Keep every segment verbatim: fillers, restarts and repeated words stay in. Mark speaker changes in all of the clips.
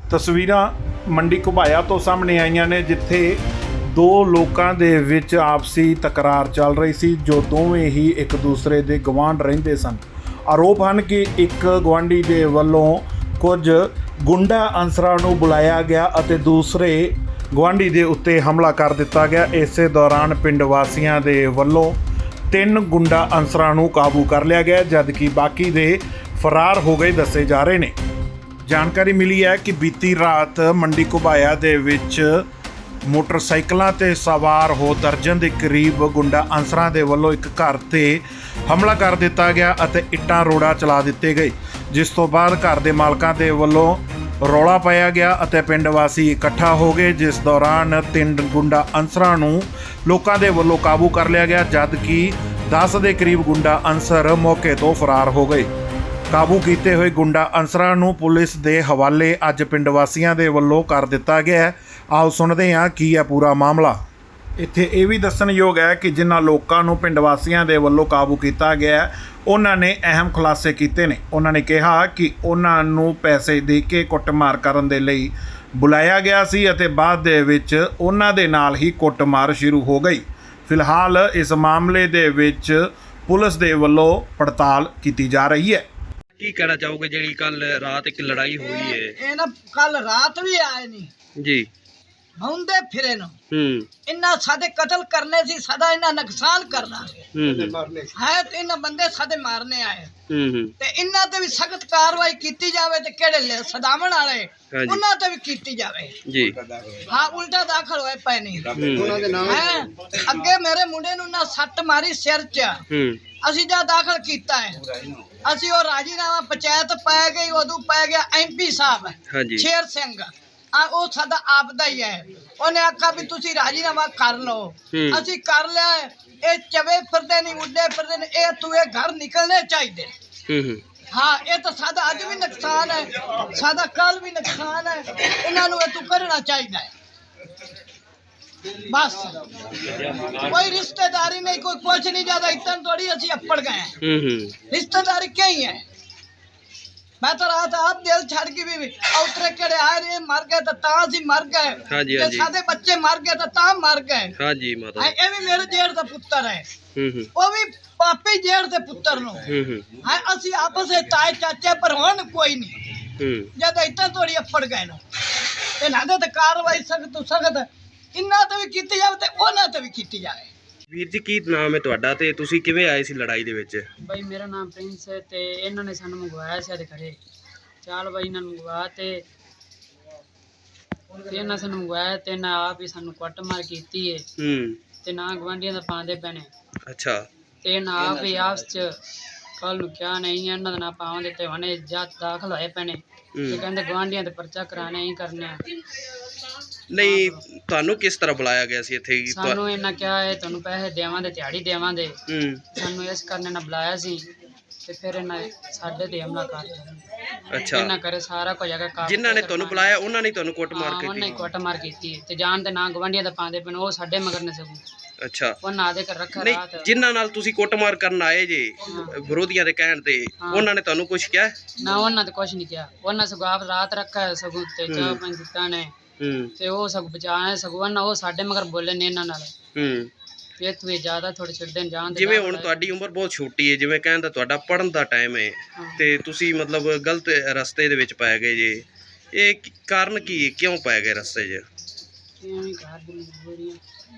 Speaker 1: ਤਸਵੀਰਾਂ ਮੰਡੀ ਘੁਬਾਇਆ ਤੋਂ ਸਾਹਮਣੇ ਆਈਆਂ ਨੇ, ਜਿੱਥੇ ਦੋ ਲੋਕਾਂ ਦੇ ਵਿੱਚ ਆਪਸੀ ਤਕਰਾਰ ਚੱਲ ਰਹੀ ਸੀ, ਜੋ ਦੋਵੇਂ ਹੀ ਇੱਕ ਦੂਸਰੇ ਦੇ ਗਵਾਂਢ ਰਹਿੰਦੇ ਸਨ। ਆਰੋਪ ਹਨ ਕਿ ਇੱਕ ਗੁਆਂਢੀ ਦੇ ਵੱਲੋਂ ਕੁਝ ਗੁੰਡਾ ਅਨਸਰਾਂ ਨੂੰ ਬੁਲਾਇਆ ਗਿਆ ਅਤੇ ਦੂਸਰੇ ਗੁਆਂਢੀ ਦੇ ਉੱਤੇ ਹਮਲਾ ਕਰ ਦਿੱਤਾ ਗਿਆ। ਇਸੇ ਦੌਰਾਨ ਪਿੰਡ ਵਾਸੀਆਂ ਦੇ ਵੱਲੋਂ ਤਿੰਨ ਗੁੰਡਾ ਅਨਸਰਾਂ ਨੂੰ ਕਾਬੂ ਕਰ ਲਿਆ ਗਿਆ, ਜਦਕਿ ਬਾਕੀ ਦੇ ਫਰਾਰ ਹੋ ਗਏ ਦੱਸੇ ਜਾ ਰਹੇ ਨੇ। ਜਾਣਕਾਰੀ ਮਿਲੀ ਹੈ ਕਿ ਬੀਤੀ ਰਾਤ ਮੰਡੀ ਘੁਬਾਇਆ ਦੇ ਵਿੱਚ ਮੋਟਰਸਾਈਕਲਾਂ ਤੇ ਸਵਾਰ ਹੋ ਦਰਜਨ ਦੇ ਕਰੀਬ ਗੁੰਡਾ ਅਨਸਰਾਂ ਦੇ ਵੱਲੋਂ ਇੱਕ ਘਰ ਤੇ ਹਮਲਾ ਕਰ ਦਿੱਤਾ ਗਿਆ ਅਤੇ ਇੱਟਾਂ ਰੋੜਾ ਚਲਾ ਦਿੱਤੇ ਗਏ, ਜਿਸ ਤੋਂ ਬਾਅਦ ਘਰ ਦੇ ਮਾਲਕਾਂ ਦੇ ਵੱਲੋਂ ਰੌਲਾ ਪਾਇਆ ਗਿਆ ਅਤੇ ਪਿੰਡ ਵਾਸੀ ਇਕੱਠਾ ਹੋ ਗਏ, ਜਿਸ ਦੌਰਾਨ ਤਿੰਨ ਗੁੰਡਾ ਅਨਸਰਾਂ ਨੂੰ ਲੋਕਾਂ ਦੇ ਵੱਲੋਂ ਕਾਬੂ ਕਰ ਲਿਆ ਗਿਆ, ਜਦਕਿ ਦਸ ਦੇ ਕਰੀਬ ਗੁੰਡਾ ਅਨਸਰ ਮੌਕੇ ਤੋਂ ਫਰਾਰ ਹੋ ਗਏ। ਕਾਬੂ ਕੀਤੇ ਹੋਏ ਗੁੰਡਾ ਅਨਸਰਾਂ ਨੂੰ ਪੁਲਿਸ ਦੇ ਹਵਾਲੇ ਅੱਜ ਪਿੰਡ ਵਾਸੀਆਂ ਦੇ ਵੱਲੋਂ ਕਰ ਦਿੱਤਾ ਗਿਆ ਹੈ। ਆਓ ਸੁਣਦੇ ਹਾਂ ਕੀ ਹੈ ਪੂਰਾ ਮਾਮਲਾ। ਇੱਥੇ ਇਹ ਵੀ ਦੱਸਣਯੋਗ ਹੈ ਕਿ ਜਿਨ੍ਹਾਂ ਲੋਕਾਂ ਨੂੰ ਪਿੰਡ ਵਾਸੀਆਂ ਦੇ ਵੱਲੋਂ ਕਾਬੂ ਕੀਤਾ ਗਿਆ, ਉਹਨਾਂ ਨੇ ਅਹਿਮ ਖੁਲਾਸੇ ਕੀਤੇ ਨੇ। ਉਹਨਾਂ ਨੇ ਕਿਹਾ ਕਿ ਉਹਨਾਂ ਨੂੰ ਪੈਸੇ ਦੇ ਕੇ ਕੁੱਟਮਾਰ ਕਰਨ ਦੇ ਲਈ ਬੁਲਾਇਆ ਗਿਆ ਸੀ ਅਤੇ ਬਾਅਦ ਦੇ ਵਿੱਚ ਉਹਨਾਂ ਦੇ ਨਾਲ ਹੀ ਕੁੱਟਮਾਰ ਸ਼ੁਰੂ ਹੋ ਗਈ। ਫਿਲਹਾਲ ਇਸ ਮਾਮਲੇ ਦੇ ਵਿੱਚ ਪੁਲਿਸ ਦੇ ਵੱਲੋਂ ਪੜਤਾਲ ਕੀਤੀ ਜਾ ਰਹੀ ਹੈ।
Speaker 2: ਕੀ ਕਹਿਣਾ ਚਾਹੋਗੇ ਜਿਹੜੀ ਕੱਲ ਰਾਤ ਇੱਕ ਲੜਾਈ ਹੋਈ ਹੈ?
Speaker 3: ਇਹ ਨਾ ਕੱਲ ਰਾਤ ਵੀ ਆਏ ਨਹੀਂ
Speaker 2: ਜੀ
Speaker 3: ਹੁੰਦੇ ਫਿਰੇ ਨੂੰ
Speaker 2: ਹੂੰ
Speaker 3: ਇੰਨਾ ਸਾਡੇ ਕਤਲ ਕਰਨੇ ਸੀ, ਸਦਾ ਇਹਨਾਂ ਨੁਕਸਾਨ ਕਰਨਾ
Speaker 2: ਹੂੰ ਹੂੰ
Speaker 3: ਹੈ ਤੇ ਇਹਨਾਂ ਬੰਦੇ ਸਾਡੇ ਮਾਰਨੇ ਆਏ
Speaker 2: ਹੂੰ ਹੂੰ
Speaker 3: ਤੇ ਇਹਨਾਂ ਤੇ ਵੀ ਸਖਤ ਕਾਰਵਾਈ ਕੀਤੀ ਜਾਵੇ ਤੇ ਕਿਹੜੇ ਲੈ ਸਦਾਵਣ ਵਾਲੇ
Speaker 2: ਹਾਂਜੀ।
Speaker 3: ਉਹਨਾਂ ਤੇ ਵੀ ਕੀਤੀ ਜਾਵੇ
Speaker 2: ਜੀ
Speaker 3: ਹਾਂ। ਉਲਟਾ ਦਾਖਲ ਹੋਏ ਪਏ ਨਹੀਂ
Speaker 2: ਹੂੰ
Speaker 3: ਹੈ। ਅੱਗੇ ਮੇਰੇ ਮੁੰਡੇ ਨੂੰ ਨਾ ਸੱਟ ਮਾਰੀ ਸਿਰ 'ਚ,
Speaker 2: ਹੂੰ
Speaker 3: ਅਸੀਂ ਜਾ ਦਾਖਲ ਕੀਤਾ ਹੈ। ਅਸੀਂ ਉਹ ਰਾਜੀਨਾਮਾ ਪੰਚਾਇਤ ਪੈ ਗਈ, ਉਦੋਂ ਪੈ ਗਿਆ ਐਮਪੀ ਸਾਹਿਬ
Speaker 2: ਹਾਂਜੀ
Speaker 3: ਸ਼ੇਰ ਸਿੰਘ, ਆ ਉਹ ਸਾਡਾ ਆਪ ਦਾ ਹੀ ਹੈ। ਉਹਨੇ ਆਖਿਆ ਵੀ ਤੁਸੀਂ ਰਾਜੀਨਾਮਾ ਕਰ ਲਓ।
Speaker 2: ਹੂੰ।
Speaker 3: ਅਸੀਂ ਕਰ ਲਿਆ। ਇਹ ਚਵੇ ਫਿਰਦੇ ਨਹੀਂ, ਉੱਡੇ ਫਿਰਦੇ ਨੇ, ਇਹ ਤੂੰ ਇਹ ਘਰ ਨਿਕਲਣੇ ਚਾਹੀਦੇ।
Speaker 2: ਹੂੰ ਹੂੰ
Speaker 3: ਹਾਂ, ਇਹ ਤਾਂ ਸਾਡਾ ਅੱਜ ਵੀ ਨੁਕਸਾਨ ਹੈ, ਸਾਡਾ ਕੱਲ ਵੀ ਨੁਕਸਾਨ ਹੈ। ਇਹਨਾਂ ਨੂੰ ਇਹ ਤੂੰ ਕਰਨਾ ਚਾਹੀਦਾ ਹੈ। बस कोई रिश्तेदारी नहीं, कोई कुछ नहीं, ज्यादा इतना थोड़ी ਅਸੀਂ अप्पड़ गए हैं।
Speaker 2: हम्म हम्म
Speaker 3: रिश्तेदारी क्या ही है। मैं तो रात आप दिल छड़ के भी उतरे केड़े आए रे मर गए तो ता सी मर गए।
Speaker 2: हाँ जी, हाँ जी।
Speaker 3: सादे बच्चे मर गए तो ता मर गए।
Speaker 2: हाँ जी माता
Speaker 3: हां, ये भी मेरे जेठ दा पुत्र है।
Speaker 2: हम्म हम्म
Speaker 3: वो भी पापी जेठ दे पुत्र नु।
Speaker 2: हम्म हम्म
Speaker 3: हां, ਅਸੀਂ आपस में ताए चाचे पर होन कोई नहीं।
Speaker 2: हम्म
Speaker 3: ज्यादा इतना थोड़ी अप्पड़ गए ना। ते ना ते कार्रवाई सख्त सख्त इन्ना ਤੇ ਵੀ ਕੀਤੀ ਜਾਵੇ ਤੇ ਉਹਨਾਂ ਤੇ ਵੀ ਕੀਤੀ ਜਾਵੇ।
Speaker 2: ਵੀਰ ਜੀ ਕੀ ਨਾਮ ਹੈ ਤੁਹਾਡਾ ਤੇ ਤੁਸੀਂ ਕਿਵੇਂ ਆਏ ਸੀ ਲੜਾਈ ਦੇ ਵਿੱਚ?
Speaker 4: ਬਾਈ ਮੇਰਾ ਨਾਮ ਪ੍ਰਿੰਸ ਹੈ ਤੇ ਇਹਨਾਂ ਨੇ ਸਾਨੂੰ ਮੰਗਵਾਇਆ ਸੀ ਇਹਦੇ ਘਰੇ। ਚਾਲ ਬਾਈ ਇਹਨਾਂ ਨੂੰ ਮੰਗਵਾ ਤੇ ਤੇ ਇਹਨਾਂ ਸਾਨੂੰ ਮੰਗਵਾਇਆ ਤੇ ਨਾ ਆਪ ਹੀ ਸਾਨੂੰ ਕੁੱਟ ਮਾਰ ਕੀਤੀ ਹੈ
Speaker 2: ਹੂੰ
Speaker 4: ਤੇ ਨਾ ਗਵਾਂਢੀਆਂ ਦਾ ਪਾਉਂਦੇ ਪੈਣੇ।
Speaker 2: ਅੱਛਾ
Speaker 4: ਤੇ ਨਾ ਆਪ ਹੀ ਆਪਸ ਚ ਕੱਲ ਨੂੰ ਕਿਹਾ ਨਹੀਂ ਇਹਨਾਂ ਦਾ ਨਾ ਪਾਉਂਦੇ ਤੇ ਉਹਨੇ ਜੱਤ ਦਾਖਲ ਹੋਏ ਪੈਣੇ ਤੇ ਕਹਿੰਦੇ ਗਵਾਂਢੀਆਂ ਤੇ ਪਰਚਾ ਕਰਾਣੇ ਹੀ ਕਰਨੇ ਆ।
Speaker 2: ਨਹੀਂ ਤੁਹਾਨੂੰ ਕਿਸ ਤਰ੍ਹਾਂ ਬੁਲਾਇਆ ਗਿਆ ਸੀ ਇੱਥੇ?
Speaker 4: ਸਾਨੂੰ ਇਹਨਾਂ ਕਿਹਾ ਹੈ ਤੁਹਾਨੂੰ ਪੈਸੇ ਦੇਵਾਂਗੇ, ਦਿਹਾੜੀ ਦੇਵਾਂਗੇ।
Speaker 2: ਹੂੰ
Speaker 4: ਸਾਨੂੰ ਇਸ ਕਰਨੇ ਨਾਲ ਬੁਲਾਇਆ ਸੀ ਤੇ ਫਿਰ ਇਹਨਾਂ ਸਾਡੇ ਤੇ ਹਮਲਾ ਕਰ ਦਿੱਤਾ।
Speaker 2: ਅੱਛਾ
Speaker 4: ਇਹਨਾਂ ਕਰੇ ਸਾਰਾ ਕੁਝ ਹੈਗਾ ਕਾਬੂ
Speaker 2: ਜਿਨ੍ਹਾਂ ਨੇ ਤੁਹਾਨੂੰ ਬੁਲਾਇਆ ਉਹਨਾਂ ਨੇ ਤੁਹਾਨੂੰ ਕੁੱਟ ਮਾਰ
Speaker 4: ਉਹਨਾਂ ਨੇ
Speaker 2: ਕੀਤੀ?
Speaker 4: ਕੁੱਟ ਮਾਰ ਕੀਤੀ ਤੇ ਜਾਣ ਤੇ ਨਾ ਗਵਾਂਢੀਆਂ ਦਾ ਪਾਉਂਦੇ ਪਏ ਉਹ ਸਾਡੇ ਮਗਰ ਨੇ ਸਗੋਂ
Speaker 2: ਅੱਛਾ
Speaker 4: ਉਹਨਾਂ ਦੇ ਕਰ ਰੱਖਾ
Speaker 2: ਨਹੀਂ
Speaker 4: ਰਾਤ।
Speaker 2: ਜਿਨ੍ਹਾਂ ਨਾਲ ਤੁਸੀਂ ਕੁੱਟਮਾਰ ਕਰਨ ਆਏ ਜੇ ਵਿਰੋਧੀਆਂ ਦੇ ਕਹਿਣ ਤੇ
Speaker 4: ਹਾਂ।
Speaker 2: ਉਹਨਾਂ ਨੇ ਤੁਹਾਨੂੰ ਕੁਝ ਕਿਹਾ?
Speaker 4: ਨਾ ਉਹਨਾਂ ਤੇ ਕੁਝ ਨਹੀਂ ਕਿਹਾ। ਉਹਨਾਂ ਸਗੋਂ ਆਪ ਰਾਤ ਰੱਖਾ ਸਗੋਂ ਤੇ ਚਾਹ ਪੰਜ ਦਿੱਤਾ ਨੇ
Speaker 2: ਹੂੰ
Speaker 4: ਤੇ ਉਹ ਸਗੋਂ ਬਚਾਏ ਸਗੋਂ ਨਾ ਉਹ ਸਾਡੇ ਮਗਰ ਬੋਲੇ ਨੇ ਇਹਨਾਂ ਨਾਲ
Speaker 2: ਹੂੰ
Speaker 4: ਇਹ ਤੂੰ ਜ਼ਿਆਦਾ ਥੋੜੇ ਛੱਡਣ ਜਾਣ ਤੇ
Speaker 2: ਜਿਵੇਂ ਹੁਣ ਤੁਹਾਡੀ ਉਮਰ ਬਹੁਤ ਛੋਟੀ ਹੈ, ਜਿਵੇਂ ਕਹਿੰਦਾ ਤੁਹਾਡਾ ਪੜਨ ਦਾ ਟਾਈਮ ਹੈ ਤੇ ਤੁਸੀਂ ਮਤਲਬ ਗਲਤ ਰਸਤੇ ਦੇ ਵਿੱਚ ਪੈ ਗਏ ਜੇ, ਇਹ ਕੀ- ਕਾਰਨ ਕੀ ਹੈ? ਕਿਉਂ ਪੈ ਗਏ ਰਸਤੇ 'ਚ?
Speaker 4: ਐਵੇਂ ਘਰ ਦੀ ਮਜਬੂਰੀਆਂ।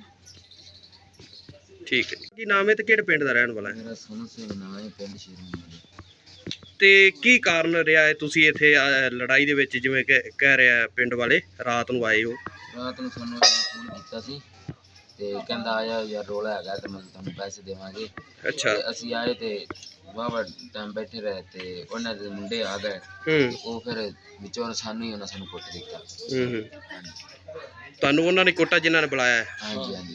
Speaker 2: ਠੀਕ ਹੈ। ਕੀ ਨਾਮ ਹੈ ਤੇ ਕਿਹੜੇ ਪਿੰਡ ਦਾ ਰਹਿਣ ਵਾਲਾ ਹੈ?
Speaker 5: ਮੇਰਾ ਸੋਨੂ ਸਿੰਘ ਨਾਮ ਹੈ, ਪਿੰਡ ਸ਼ੇਰਮੰਦ।
Speaker 2: ਤੇ ਕੀ ਕਾਰਨ ਰਿਹਾ ਹੈ ਤੁਸੀਂ ਇੱਥੇ ਅਹ, ਲੜਾਈ ਦੇ ਵਿੱਚ ਜਿਵੇਂ ਕਿ ਕਹਿ ਰਿਹਾ ਪਿੰਡ ਵਾਲੇ ਰਾਤ ਨੂੰ ਆਏ ਹੋ?
Speaker 5: ਰਾਤ ਨੂੰ ਸਾਨੂੰ ਫੋਨ ਕੀਤਾ ਸੀ ਤੇ ਕਹਿੰਦਾ ਆਇਆ ਯਾਰ ਰੋਲਾ ਹੈਗਾ ਤੇ ਮੈਂ ਤੁਹਾਨੂੰ ਪੈਸੇ ਦੇਵਾਂਗੇ।
Speaker 2: ਅੱਛਾ
Speaker 5: ਤੇ ਅਸੀਂ ਆਏ ਤੇ ਵਾਵਾ ਟਾਈਮ ਬੈਠੇ ਰਹੇ ਤੇ ਉਹਨਾਂ ਦੇ ਮੁੰਡੇ ਆ ਗਏ।
Speaker 2: ਹੂੰ
Speaker 5: ਉਹ ਫਿਰ ਵਿੱਚੋਂ ਸਾਨੂੰ ਹੀ ਉਹਨਾਂ ਸਾਨੂੰ ਕੁੱਟ ਦਿੱਤਾ।
Speaker 2: ਹੂੰ ਹੂੰ ਤੁਹਾਨੂੰ ਉਹਨਾਂ ਨੇ ਕੁੱਟਾ ਜਿਨ੍ਹਾਂ ਨੇ ਬੁਲਾਇਆ ਹੈ?
Speaker 5: ਹਾਂਜੀ ਹਾਂਜੀ।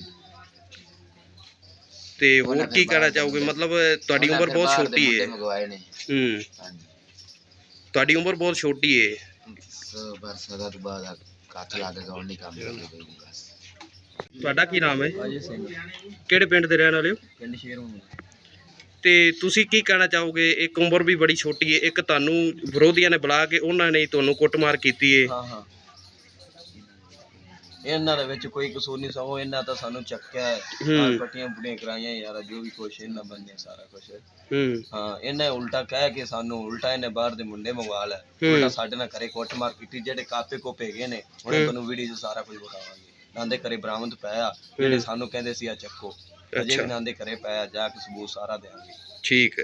Speaker 2: ਤੇ ਹੋਰ ਕੀ ਕਹਿਣਾ ਚਾਹੋਗੇ? ਮਤਲਬ ਤੁਹਾਡੀ ਉਮਰ ਬਹੁਤ ਛੋਟੀ ਹੈ।
Speaker 5: ਮੰਗਵਾਏ ਨੇ।
Speaker 2: ਹੂੰ
Speaker 5: ਹਾਂਜੀ
Speaker 2: ਤੁਹਾਡੀ ਉਮਰ ਬਹੁਤ ਛੋਟੀ ਹੈ।
Speaker 5: ਸੋ ਬਰਸਾਤ ਤੋਂ ਬਾਅਦ ਹੱਥ ਲਾ ਕੇ ਗਾਉਣ ਨਹੀਂ ਕੰਮ ਕਰਦੇ ਬਸ।
Speaker 2: ਤੁਹਾਡਾ ਕੀ ਨਾਮ ਹੈ?
Speaker 5: ਅਜੇ ਸਿੰਘ,
Speaker 2: ਕਿਹੜੇ ਪਿੰਡ ਦੇ ਰਹਿਣ ਵਾਲੇ ਹੋ?
Speaker 5: ਪਿੰਡ ਸ਼ੇਰਮੰਦ।
Speaker 2: ਤੇ ਤੁਸੀਂ ਕੀ ਕਹਿਣਾ ਚਾਹੋਗੇ? ਇੱਕ ਉਮਰ ਵੀ ਬੜੀ ਛੋਟੀ ਹੈ, ਇੱਕ ਤੁਹਾਨੂੰ ਵਿਰੋਧੀਆਂ ਨੇ ਬੁਲਾ ਕੇ ਉਹਨਾਂ ਨੇ ਤੁਹਾਨੂੰ ਕੁੱਟਮਾਰ ਕੀਤੀ ਹੈ।
Speaker 6: ਹਾਂ ਹਾਂ ਇਹਨਾਂ ਦੇ ਵਿੱਚ ਕੋਈ ਕਸੂਰ ਨਹੀਂ, ਸਗੋਂ ਇਹਨਾਂ ਤਾਂ ਸਾਨੂੰ ਚੱਕਿਆ ਹੈ,
Speaker 2: ਹੂੰ।
Speaker 6: ਆਹ ਪੱਟੀਆਂ ਪੁੱਟੀਆਂ ਕਰਾਈਆਂ ਯਾਰ, ਜੋ ਵੀ ਕੁਛ ਇਹਨਾਂ ਬੰਨਿਆ ਸਾਰਾ ਕੁਛ।
Speaker 2: ਹੂੰ
Speaker 6: ਹਾਂ ਇਹਨੇ ਉਲਟਾ ਕਹਿ ਕੇ ਸਾਨੂੰ ਉਲਟਾ ਇਹਨੇ ਬਾਹਰ ਦੇ ਮੁੰਡੇ ਮੰਗਵਾ ਲਿਆ,
Speaker 2: ਹੂੰ।
Speaker 6: ਉਲਟਾ ਸਾਡੇ ਨਾਲ ਘਰੇ ਕੁੱਟਮਾਰ ਕੀਤੀ। ਜਿਹੜੇ ਕਾਪੇ ਕੋਪੇ ਹੈਗੇ ਨੇ ਉਹਨੇ ਤੁਹਾਨੂੰ ਵੀਡੀਓ 'ਚ ਸਾਰਾ ਕੁਝ ਵਿਖਾਵਾਂਗੇ। ਨਾਂਦੇ ਘਰੇ ਬਰਾਮਦ ਪਿਆ, ਜਿਹੜੇ ਸਾਨੂੰ ਕਹਿੰਦੇ ਸੀ ਆ ਚੱਕੋ, ਅਜੇ ਵੀ ਨਾਂਦੇ ਘਰੇ ਪਿਆ, ਜਾ ਕੇ ਸਬੂਤ ਸਾਰਾ ਦੇਵਾਂਗੇ।
Speaker 2: ਠੀਕ ਹੈ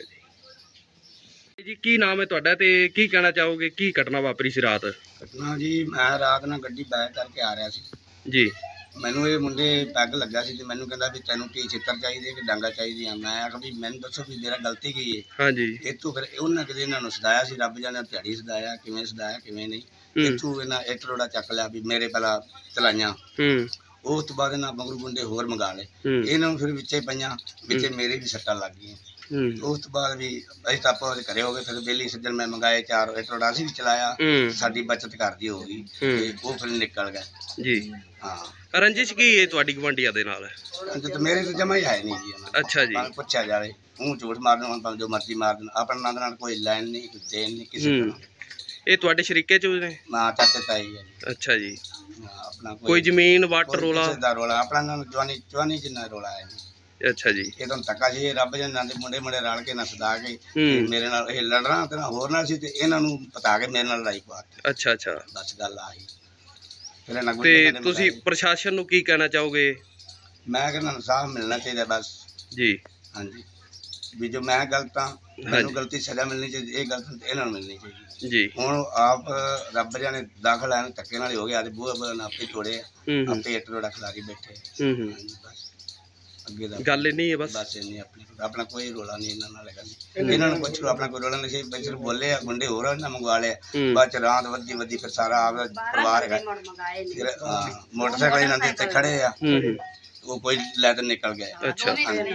Speaker 2: ਜੀ। ਜੀ ਕੀ ਨਾਮ ਹੈ ਤੁਹਾਡਾ ਤੇ ਕੀ ਕਹਿਣਾ ਚਾਹੋਗੇ? ਕੀ ਘਟਨਾ ਵਾਪਰੀ ਸੀ ਰਾਤ?
Speaker 7: ਘਟਨਾ ਜੀ, ਮੈਂ ਰਾਤ ਨਾਲ ਗੱਡੀ ਬੈਕ ਕਰਕੇ ਆ ਰਿਹਾ ਸੀ।
Speaker 2: ਜੀ
Speaker 7: ਮੈਨੂੰ ਇਹ ਮੁੰਡੇ ਪੈਗ ਲੱਗਾ ਸੀ ਤੇ ਮੈਨੂੰ ਕਹਿੰਦਾ ਵੀ ਤੈਨੂੰ ਕੀ ਛਿੱਤਰ ਚਾਹੀਦੇ ਕਿ ਡਾਂਗਾ ਚਾਹੀਦੀਆਂ। ਮੈਂ ਆਖਿਆ ਵੀ ਮੈਨੂੰ ਦੱਸੋ ਵੀ ਮੇਰਾ ਗਲਤੀ ਕੀ ਹੈ।
Speaker 2: ਹਾਂਜੀ
Speaker 7: ਇੱਥੋਂ ਫਿਰ ਉਹਨਾਂ ਕਿਤੇ ਇਹਨਾਂ ਨੂੰ ਸਦਾਇਆ ਸੀ, ਰੱਬ ਜਾਣੇ ਦਿਹਾੜੀ ਸਦਾਇਆ, ਕਿਵੇਂ ਸਦਾਇਆ ਕਿਵੇਂ ਨਹੀਂ।
Speaker 2: ਹੂੰ।
Speaker 7: ਇੱਥੋਂ ਇਹਨਾਂ ਇੱਟ ਰੋੜਾ ਚੱਕ ਲਿਆ ਵੀ ਮੇਰੇ ਪਹਿਲਾਂ ਚਲਾਈਆਂ।
Speaker 2: ਹੂੰ
Speaker 7: ਉਸ ਤੋਂ ਬਾਅਦ ਇਹਨਾਂ ਮਗਰੂ ਗੁੰਡੇ ਹੋਰ ਮੰਗਾ ਲਏ,
Speaker 2: ਹੂੰ
Speaker 7: ਇਹਨਾਂ ਨੂੰ ਫਿਰ ਵਿੱਚੇ ਪਈਆਂ, ਵਿੱਚੇ ਮੇਰੇ ਵੀ ਸੱਟਾਂ ਲੱਗ ਗਈਆਂ।
Speaker 2: ਹੂੰ
Speaker 7: ਉਸ ਤੋਂ ਬਾਅਦ ਵੀ ਅਸੀਂ ਤਾਂ ਆਪਾਂ ਉਹਦੇ ਘਰੇ ਹੋ ਗਏ। ਫਿਰ ਬੇਲੀ ਸੱਜਣ ਮੈਂ ਮੰਗਾਏ ਚਾਰ ਇੱਟ ਰੋੜਾ, ਅਸੀਂ ਵੀ ਚਲਾਇਆ,
Speaker 2: ਹੂੰ
Speaker 7: ਸਾਡੀ ਬਚਤ ਕਰਦੀ ਹੋ ਗਈ ਤੇ ਉਹ ਫਿਰ ਨਿਕਲ ਗਏ।
Speaker 2: ਜੀ
Speaker 7: ਹਾਂ
Speaker 2: ਰੰਜਿਸ਼ ਕੀ ਹੈ ਤੁਹਾਡੀ ਗਵਾਂਢੀਆਂ ਦੇ ਨਾਲ?
Speaker 7: ਤੇ ਮੇਰੇ ਤੋਂ ਜਮਾ ਹੀ ਹੈ ਨਹੀਂ ਜੀ ਇਹਨਾਂ
Speaker 2: ਅੱਛਾ ਜੀ।
Speaker 7: ਨੂੰ ਪੁੱਛਿਆ ਜਾਵੇ, ਮੂੰਹ ਝੂਠ ਮਾਰਨ ਹੁਣ ਭਾਵੇਂ ਜੋ ਮਰਜ਼ੀ ਮਾਰ ਦੇਣ, ਆਪਣਾ ਨਾਂ ਦੇ ਨਾਲ ਕੋਈ ਲੈਣ ਨਹੀਂ, ਕੋਈ ਦੇਣ ਨਹੀਂ ਕਿਸੇ
Speaker 2: ਹੂੰ।
Speaker 7: ਨੂੰ।
Speaker 2: ਇਹ ਤੁਹਾਡੇ ਸ਼ਰੀਕੇ ਚ ਨੇ?
Speaker 7: ਨਾ ਚਾਚੇ ਤਾਈ ਹੈ ਜੀ।
Speaker 2: ਅੱਛਾ ਜੀ।
Speaker 7: ਨਾ ਆਪਣਾ
Speaker 2: ਕੋਈ ਜ਼ਮੀਨ ਵੱਟ
Speaker 7: ਕੋਈ
Speaker 2: ਰੋਲਾ?
Speaker 7: ਕਿਸੇ ਦਾ ਰੋਲਾ ਆਪਣਾ ਨਾਲ ਜਵਾਨੀ ਜਵਾਨੀ ਜਿੰਨਾ ਰੋਲਾ ਹੈ ਜੀ।
Speaker 2: ਅੱਛਾ ਜੀ।
Speaker 7: ਇਹ ਤਾਂ ਧੱਕਾ ਜੀ, ਰੱਬ ਜਨ ਨਾਲ ਦੇ ਮੁੰਡੇ ਮੁੰਡੇ ਰਲ ਕੇ ਨਾ ਸਦਾ ਕੇ ਤੇ
Speaker 2: ਹੂੰ
Speaker 7: ਮੇਰੇ ਨਾਲ ਇਹ ਲੜਨਾ ਤੇ ਨਾ ਹੋਰ ਨਾਲ ਸੀ, ਤੇ ਇਹਨਾਂ ਨੂੰ ਪਤਾ ਕੇ ਮੇਰੇ ਨਾਲ ਲੜਾਈ ਪਾਤੀ।
Speaker 2: ਅੱਛਾ ਅੱਛਾ।
Speaker 7: ਬਸ ਗੱਲ ਆਹੀ। ਫਿਰ ਇਹਨਾਂ ਗੁੱਸੇ
Speaker 2: ਤੇ
Speaker 7: ਨੇ
Speaker 2: ਤੁਸੀਂ
Speaker 7: ਬੁਲਾਏ।
Speaker 2: ਪ੍ਰਸ਼ਾਸਨ ਨੂੰ ਕੀ ਕਹਿਣਾ ਚਾਹੋਗੇ?
Speaker 7: ਮੈਂ ਕਹਿੰਦਾ ਇਨਸਾਫ ਮਿਲਣਾ ਚਾਹੀਦਾ ਬਸ।
Speaker 2: ਜੀ
Speaker 7: ਹਾਂਜੀ, ਵੀ ਜੋ ਮੈਂ ਗਲਤ ਹਾਂ ਮੈਨੂੰ ਗਲਤੀ ਸਜ਼ਾ ਮਿਲਣੀ ਚਾਹੀਦੀ, ਇਹ ਗਲਤ ਇਹਨਾਂ ਨੂੰ ਮਿਲਣੀ ਚਾਹੀਦੀ।
Speaker 2: ਜੀ
Speaker 7: ਹੁਣ ਆਪ ਰੱਬ ਜਾਣੇ ਦਾਖਲ ਆਣ ਧੱਕੇ ਨਾਲ ਹੀ ਹੋ ਗਿਆ, ਤੇ ਬੂਹੇ ਬੂਹੇ ਨਾਲ ਆਪੇ ਤੋੜੇ ਆ,
Speaker 2: ਹੂੰ ਹੂੰ
Speaker 7: ਆਪੇ ਇੱਟ ਰੋੜਾ ਖਿਲਾਰੀ ਬੈਠੇ।
Speaker 2: ਹੂੰ ਹੂੰ।
Speaker 7: ਹਾਂਜੀ ਬਸ ਅੱਗੇ ਦਾ
Speaker 2: ਗੱਲ ਇੰਨੀ ਹੈ ਬਸ?
Speaker 7: ਬਸ ਇੰਨੀ ਆਪਣੀ ਆਪਣਾ ਕੋਈ ਰੋਲਾ ਨਹੀਂ ਇਹਨਾਂ ਨਾਲ ਹੈਗਾ ਜੀ। ਇਹਨਾਂ ਨੂੰ ਪੁੱਛ ਲਓ, ਆਪਣਾ ਕੋਈ ਰੋਲਾ ਨਹੀਂ ਸੀ। ਬੱਚੇ ਬੋਲੇ ਆ, ਗੁੰਡੇ ਹੋਰ ਇਹਨਾਂ ਮੰਗਵਾ ਲਿਆ।
Speaker 2: ਹੂੰ।
Speaker 7: ਬਾਅਦ ਚ ਰਾਤ ਵੱਧੀ ਵੱਧੀ ਫਿਰ ਸਾਰਾ ਆਪਦਾ ਪਰਿਵਾਰ ਹੈਗਾ। ਫਿਰ ਹਾਂ, ਮੋਟਰਸਾਈਕਲ ਇਹਨਾਂ ਦੇ ਇੱਥੇ ਖੜੇ ਆ,
Speaker 2: ਹੂੰ ਹੂੰ।
Speaker 7: ਉਹ ਕੋਈ ਲੈ ਕੇ ਨਿਕਲ ਗਏ।
Speaker 2: ਅੱਛਾ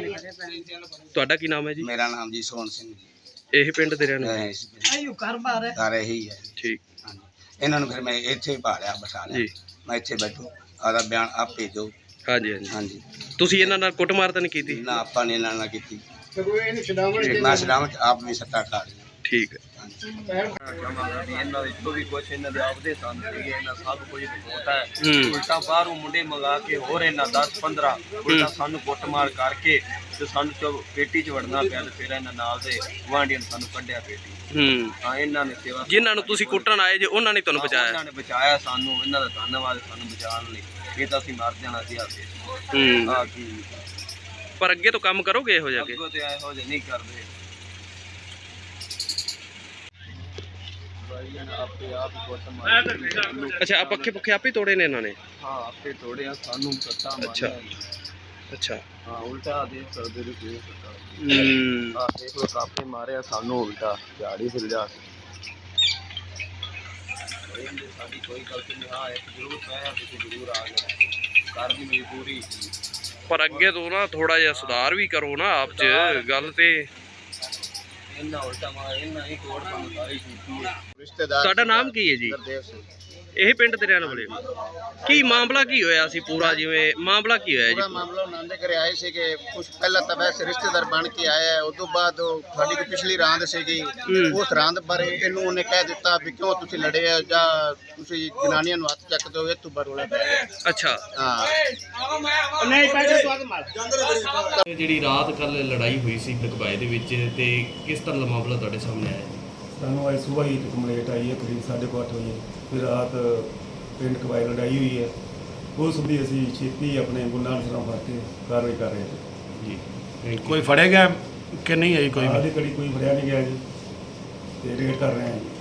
Speaker 2: ਤੁਹਾਡਾ ਕੀ ਨਾਮ ਹੈ ਜੀ?
Speaker 7: ਮੇਰਾ ਨਾਮ ਜੀ ਸੋਹਣ ਸਿੰਘ ਜੀ।
Speaker 2: ਇਹ ਪਿੰਡ ਦੇ ਰਹਿਣ ਵਾਲੇ?
Speaker 7: ਇਹ ਇਸ ਪਿੰਡ
Speaker 3: ਆਇਓ ਘਰ ਬਾਹਰ ਹੈ।
Speaker 7: ਦਾ ਇਹੀ ਹੈ ਜੀ।
Speaker 2: ਠੀਕ
Speaker 7: ਹਾਂਜੀ, ਇਹਨਾਂ ਨੂੰ ਫਿਰ ਮੈਂ ਇੱਥੇ ਭਾਲਿਆ ਬਿਠਾ ਲਿਆ।
Speaker 2: ਜੀ
Speaker 7: ਮੈਂ ਇੱਥੇ ਬੈਠੂ, ਆਦਾ ਬਿਆਨ ਆਪ ਭੇਜੋ।
Speaker 2: ਹਾਂਜੀ ਹਾਂਜੀ।
Speaker 7: ਹਾਂਜੀ,
Speaker 2: ਤੁਸੀਂ ਇਹਨਾਂ ਨਾਲ ਕੁੱਟਮਾਰ ਤਾਂ ਨਹੀਂ ਕੀਤੀ?
Speaker 7: ਨਾ ਆਪਾਂ ਨੇ ਇਹਨਾਂ ਨਾਲ ਕੀਤੀ। ਮੈਂ ਸਲਾਮਤ ਆਪ ਵੀ ਸੱਟਾ ਖਾ ਲਿਆ।
Speaker 2: ਠੀਕ ਹੈ।
Speaker 6: ਚਾਹਾਂਗਾ ਵੀ ਇਹਨਾਂ ਵਿੱਚ ਜੋ ਵੀ ਕੁਛ ਇਹਨਾਂ ਦੇ ਆਪਦੇ ਸੰਦ ਸੀਗੇ, ਇਹਨਾਂ ਸਭ ਕੁਝ ਰਿਪੋਰਟ ਹੈ।
Speaker 2: ਹੂੰ
Speaker 6: ਉਲਟਾ ਬਾਹਰੋਂ ਮੁੰਡੇ ਮੰਗਾ ਕੇ ਹੋਰ ਇਹਨਾਂ ਦਸ ਪੰਦਰਾਂ ਉਲਟਾ ਸਾਨੂੰ ਕੁੱਟਮਾਰ ਕਰਕੇ ਤੇ ਸਾਨੂੰ ਚੋ ਪੇਟੀ 'ਚ ਵੜਨਾ ਪਿਆ, ਤੇ ਫਿਰ ਇਹਨਾਂ ਨਾਲ ਦੇ ਗੁਆਂਢੀਆਂ ਨੇ ਸਾਨੂੰ ਕੱਢਿਆ ਪੇਟੀ।
Speaker 2: ਹੂੰ।
Speaker 6: ਹਾਂ ਇਹਨਾਂ ਨੇ ਸੇਵਾ,
Speaker 2: ਜਿਨ੍ਹਾਂ ਨੂੰ ਤੁਸੀਂ ਕੁੱਟਣ ਆਏ ਜੇ ਉਹਨਾਂ ਨੇ ਤੁਹਾਨੂੰ ਬਚਾਇਆ?
Speaker 6: ਉਹਨਾਂ ਨੇ ਬਚਾਇਆ ਸਾਨੂੰ, ਇਹਨਾਂ ਦਾ ਧੰਨਵਾਦ ਸਾਨੂੰ ਬਚਾਉਣ ਲਈ। ਇਹ ਤਾਂ ਅਸੀਂ ਮਰ ਜਾਣਾ ਸੀ ਆਪੇ।
Speaker 2: ਹੂੰ।
Speaker 6: ਹਾਂ ਕੀ
Speaker 2: ਪਰ ਅੱਗੇ ਤੋਂ ਕੰਮ ਕਰੋਗੇ ਇਹੋ ਜਿਹਾ?
Speaker 6: ਅੱਗੋਂ ਤੇ ਇਹੋ ਜਿਹੇ ਨਹੀਂ ਕਰਦੇ। ਭਾਈ ਇਹਨਾਂ ਆਪੇ ਆਪ ਹੀ ਕੁੱਟਮਾਰ ਕੀਤੀ।
Speaker 2: ਅੱਛਾ, ਆ ਪੱਖੇ ਪੁੱਖੇ ਆਪੇ ਤੋੜੇ ਨੇ ਇਹਨਾਂ ਨੇ?
Speaker 6: ਹਾਂ ਆਪੇ ਤੋੜਿਆ, ਸਾਨੂੰ ਸੱਟਾਂ
Speaker 2: ਅੱਛਾ।
Speaker 6: ਮਾਰੀਆਂ।
Speaker 2: ਅੱਛਾ।
Speaker 6: ਹਾਂ ਉਲਟਾ ਦੇ ਕਰਦੇ ਨੇ ਕੋਈ ਸੱਟਾਂ।
Speaker 2: ਹੂੰ।
Speaker 6: ਆ ਦੇਖ ਲੋ ਕਾਪੇ ਮਾਰਿਆ ਸਾਨੂੰ, ਉਲਟਾ ਝਾੜੀ ਫਿਰ ਜਾ ਕੇ। ਇਹਨੇ ਸਾਡੀ ਕੋਈ ਗਲਤੀ ਨਹੀਂ। ਹਾਂ ਇੱਕ ਜ਼ਰੂਰ ਪਿਆ, ਤੁਸੀਂ ਜ਼ਰੂਰ ਆ ਗਏ, ਕਰ ਦੀ ਮਜਬੂਰੀ।
Speaker 2: ਪਰ ਅੱਗੇ ਤੋਂ ਨਾ ਥੋੜਾ ਜਿਹਾ ਸੁਧਾਰ ਵੀ ਕਰੋ ਨਾ ਆਪ 'ਚ ਗੱਲ ਤੇ।
Speaker 6: ਇਹਨਾਂ ਉਲਟਾ ਮਾਰ, ਇਹਨਾਂ ਹੀ ਕੋੜ ਸਾਨੂੰ ਸਾਰੀ ਕੀਤੀ ਹੈ।
Speaker 7: ਰਿਸ਼ਤੇਦਾਰ
Speaker 2: ਤੁਹਾਡਾ ਨਾਮ ਕੀ ਹੈ ਜੀ?
Speaker 7: ਗੁਰਦੇਵ ਸਿੰਘ।
Speaker 2: ਇਹ ਪਿੰਡ ਦੇ ਰਹਿਣ ਵਾਲੇ ਹੋ? ਕੀ ਮਾਮਲਾ ਕੀ ਹੋਇਆ ਸੀ ਪੂਰਾ? ਜਿਵੇਂ ਮਾਮਲਾ ਕੀ ਹੋਇਆ
Speaker 7: ਪੂਰਾ
Speaker 2: ਜੀ?
Speaker 7: ਮਾਮਲਾ ਉਹਨਾਂ ਦੇ ਘਰੇ ਆਏ ਸੀਗੇ ਕੁਝ ਪਹਿਲਾਂ ਤਾਂ ਵੈਸੇ ਰਿਸ਼ਤੇਦਾਰ ਬਣ ਕੇ ਆਇਆ, ਉਸ ਤੋਂ ਬਾਅਦ ਉਹ ਸਾਡੀ ਕੋਈ ਪਿਛਲੀ ਰਾਂਦ ਸੀਗੀ, ਉਸ ਰਾਂਦ ਬਾਰੇ ਇਹਨੂੰ ਉਹਨੇ ਕਹਿ ਦਿੱਤਾ ਵੀ ਕਿਉਂ ਤੁਸੀਂ ਲੜੇ ਆ, ਜਾਂ ਤੁਸੀਂ ਜਨਾਨੀਆਂ ਨੂੰ ਹੱਥ ਚੱਕਦੇ ਹੋ, ਇਹ ਤੋਂ ਬਾਅਦ ਰੌਲਾ ਪੈ ਗਿਆ।
Speaker 2: ਅੱਛਾ।
Speaker 7: ਹਾਂ
Speaker 2: ਇਹ ਜਿਹੜੀ ਰਾਤ ਕੱਲ ਲੜਾਈ ਹੋਈ ਸੀ ਲਕਬਾਏ ਦੇ ਵਿੱਚ, ਤੇ ਕਿਸ ਤਰ੍ਹਾਂ ਦਾ ਮਾਮਲਾ ਤੁਹਾਡੇ ਸਾਹਮਣੇ ਆਇਆ?
Speaker 8: ਸਾਨੂੰ ਅੱਜ ਸੁਬਾਹ ਹੀ ਕੰਪਲੇਂਟ ਆਈ ਹੈ ਕਰੀਬ ਸਾਢੇ ਕੁ ਅੱਠ ਵਜੇ ਫਿਰ ਰਾਤ ਪਿੰਡ ਕਬਾਈ ਲੜਾਈ ਹੋਈ ਹੈ। ਉਸ ਦੀ ਅਸੀਂ ਛੇਤੀ ਆਪਣੇ ਗੁਨਾਹ ਅਨਸਰਾਂ ਫੜ ਕੇ ਕਾਰਵਾਈ ਕਰ ਰਹੇ ਹਾਂ ਜੀ।
Speaker 1: ਕੋਈ ਫੜਿਆ ਗਿਆ ਕਿ ਨਹੀਂ ਆਈ ਕੋਈ?
Speaker 8: ਹਾਲੇ ਕੜੀ ਕੋਈ ਫੜਿਆ ਨਹੀਂ ਗਿਆ ਜੀ, ਤੇ ਰੇਡ ਕਰ ਰਹੇ ਹਾਂ ਜੀ।